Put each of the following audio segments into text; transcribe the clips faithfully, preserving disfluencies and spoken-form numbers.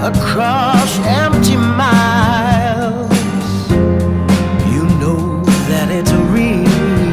across empty miles. You know that it's real.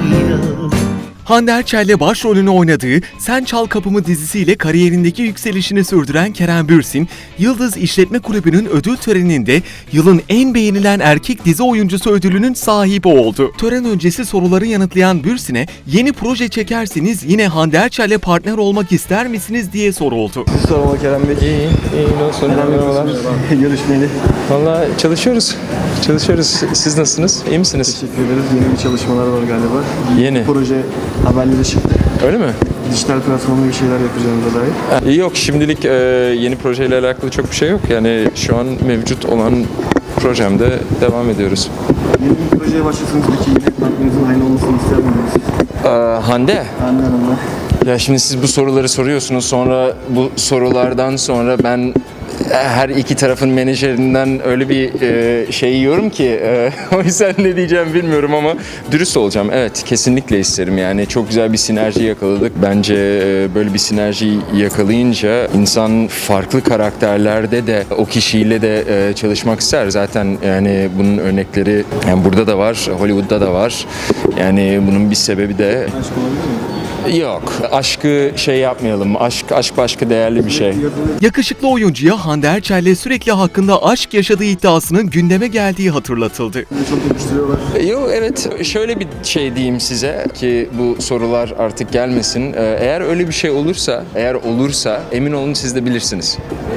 Hande Erçel'le başrolünü oynadığı Sen Çal Kapımı dizisiyle kariyerindeki yükselişini sürdüren Kerem Bürsin, Yıldız İşletme Kulübü'nün ödül töreninde yılın en beğenilen erkek dizi oyuncusu ödülünün sahibi oldu. Tören öncesi soruları yanıtlayan Bürsin'e yeni proje çekerseniz yine Hande Erçel'le partner olmak ister misiniz diye soruldu. Siz sorma Kerem Bey. İyi, iyi. Nasıl? Merhabalar. Görüşmeli. Valla çalışıyoruz. Çalışıyoruz. Siz nasılsınız? İyi misiniz? Teşekkür ederiz. Yeni bir çalışmalar var galiba. Yeni. Proje haberleri çıktı. Öyle mi? Dijital platformda bir şeyler yapacağımıza dair. Ha, yok şimdilik e, yeni projeyle alakalı çok bir şey yok. Yani şu an mevcut olan projemde devam ediyoruz. Yeni bir projeye başlasanız peki yine partnerinizin aynı olmasını ister miydiniz? Ee, Hande. Hande Hanım'la. Ya şimdi siz bu soruları soruyorsunuz, sonra bu sorulardan sonra ben her iki tarafın menajerinden öyle bir e, şey yiyorum ki e, o yüzden ne diyeceğimi bilmiyorum ama dürüst olacağım. Evet, kesinlikle isterim yani. Çok güzel bir sinerji yakaladık. Bence e, böyle bir sinerji yakalayınca insan farklı karakterlerde de o kişiyle de e, çalışmak ister. Zaten yani bunun örnekleri yani burada da var, Hollywood'da da var. Yani bunun bir sebebi de Aşk olabilir mi? yok. Aşkı şey yapmayalım. Aşk aşk başka değerli bir şey. Yakışıklı oyuncuya Hande Erçel'le sürekli hakkında aşk yaşadığı iddiasının gündeme geldiği hatırlatıldı. Çok yakıştırıyorlar. Yok evet, şöyle bir şey diyeyim size ki bu sorular artık gelmesin. Ee, Eğer öyle bir şey olursa, eğer olursa emin olun siz de bilirsiniz.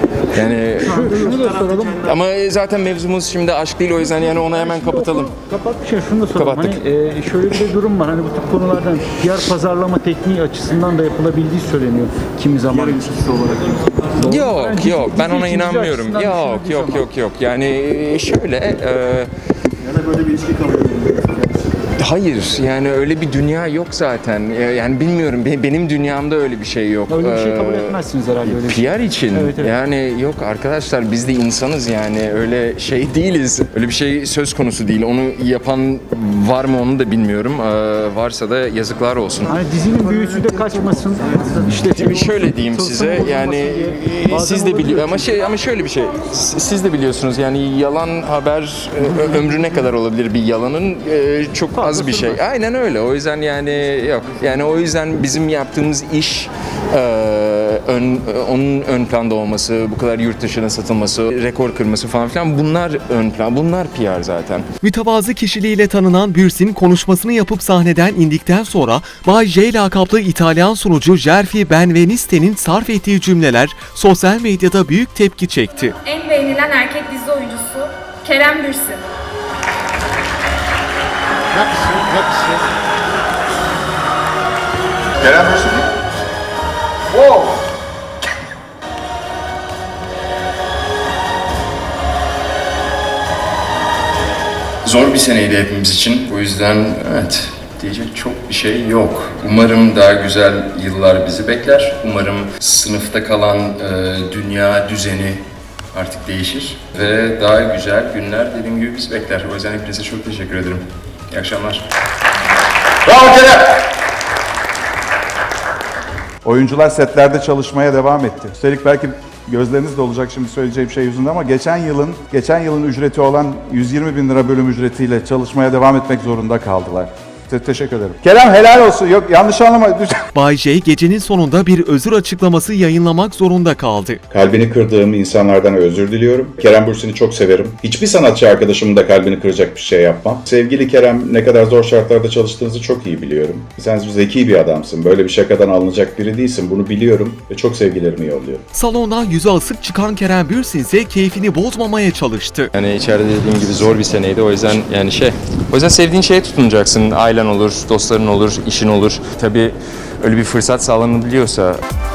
Yani Şunu da soralım. ama zaten mevzumuz şimdi aşk değil, o yüzden yani onu hemen kapatalım. Kapatmışken şunu da soralım. Kapattık. Hani e, şöyle bir durum var. Hani bu tip konulardan P R pazarlama tekniği açısından da yapılabildiği söyleniyor kimi zaman. Yarın ilişkisi olarak. Yok Dizi- yok ben dizi ona için, dizi inanmıyorum. açısından Yok düşünüldüğü yok zaman. yok yok. Yani şöyle e, Ya da böyle bir ilişki kabul ediyorsunuz. hayır yani öyle bir dünya yok zaten. Yani bilmiyorum, be- benim dünyamda öyle bir şey yok. Öyle bir şey kabul Ee, etmezsiniz herhalde öyle bir şey. P R için Evet, evet. yani yok arkadaşlar, biz de insanız yani, öyle şey değiliz. Öyle bir şey söz konusu değil. Onu yapan var mı onu da bilmiyorum. Ee, varsa da yazıklar olsun. Hani dizinin büyüsü de kaçmasın. İşte Şimdi şöyle diyeyim size yani siz de biliyor ama şey ama şöyle bir şey, s- siz de biliyorsunuz yani yalan haber e, ömrü ne kadar olabilir bir yalanın, e, çok az bir şey. Aynen öyle. O yüzden yani yok. Yani o yüzden bizim yaptığımız iş e, ön, onun ön planda olması, bu kadar yurt dışına satılması, rekor kırması falan filan, bunlar ön plan. Bunlar P R zaten. Mütevazı kişiliğiyle tanınan Bürsin konuşmasını yapıp sahneden indikten sonra Bay J lakaplı İtalyan sunucu Gerfi Benveniste'nin sarf ettiği cümleler sosyal medyada büyük tepki çekti. En beğenilen erkek dizi oyuncusu Kerem Bürsin. Kerem Bürsin mi? Wow! Zor bir seneydi hepimiz için. O yüzden evet, diyecek çok bir şey yok. Umarım daha güzel yıllar bizi bekler. Umarım sınıfta kalan e, dünya düzeni artık değişir. Ve daha güzel günler dediğim gibi bizi bekler. O yüzden hepinize çok teşekkür ederim. İyi akşamlar. Bravo Kerem! Oyuncular setlerde çalışmaya devam etti. Üstelik belki gözleriniz de olacak şimdi söyleyeceğim şey yüzünden ama geçen yılın geçen yılın ücreti olan yüz yirmi bin lira bölüm ücretiyle çalışmaya devam etmek zorunda kaldılar. Te- teşekkür ederim. Kerem helal olsun. Yok yanlış anlama. Bay J gecenin sonunda bir özür açıklaması yayınlamak zorunda kaldı. Kalbini kırdığım insanlardan özür diliyorum. Kerem Bürsin'i çok severim. Hiçbir sanatçı arkadaşımın da kalbini kıracak bir şey yapmam. Sevgili Kerem, ne kadar zor şartlarda çalıştığınızı çok iyi biliyorum. Sen zeki bir adamsın. Böyle bir şakadan alınacak biri değilsin. Bunu biliyorum ve çok sevgilerimi yolluyorum. Salondan yüzü asık çıkan Kerem Bürsin ise keyfini bozmamaya çalıştı. Yani içeride dediğim gibi zor bir seneydi. O yüzden yani şey, o yüzden sevdiğin şeye tutunacaksın. Ailen olur, dostların olur, işin olur. Tabii öyle bir fırsat sağlanabiliyorsa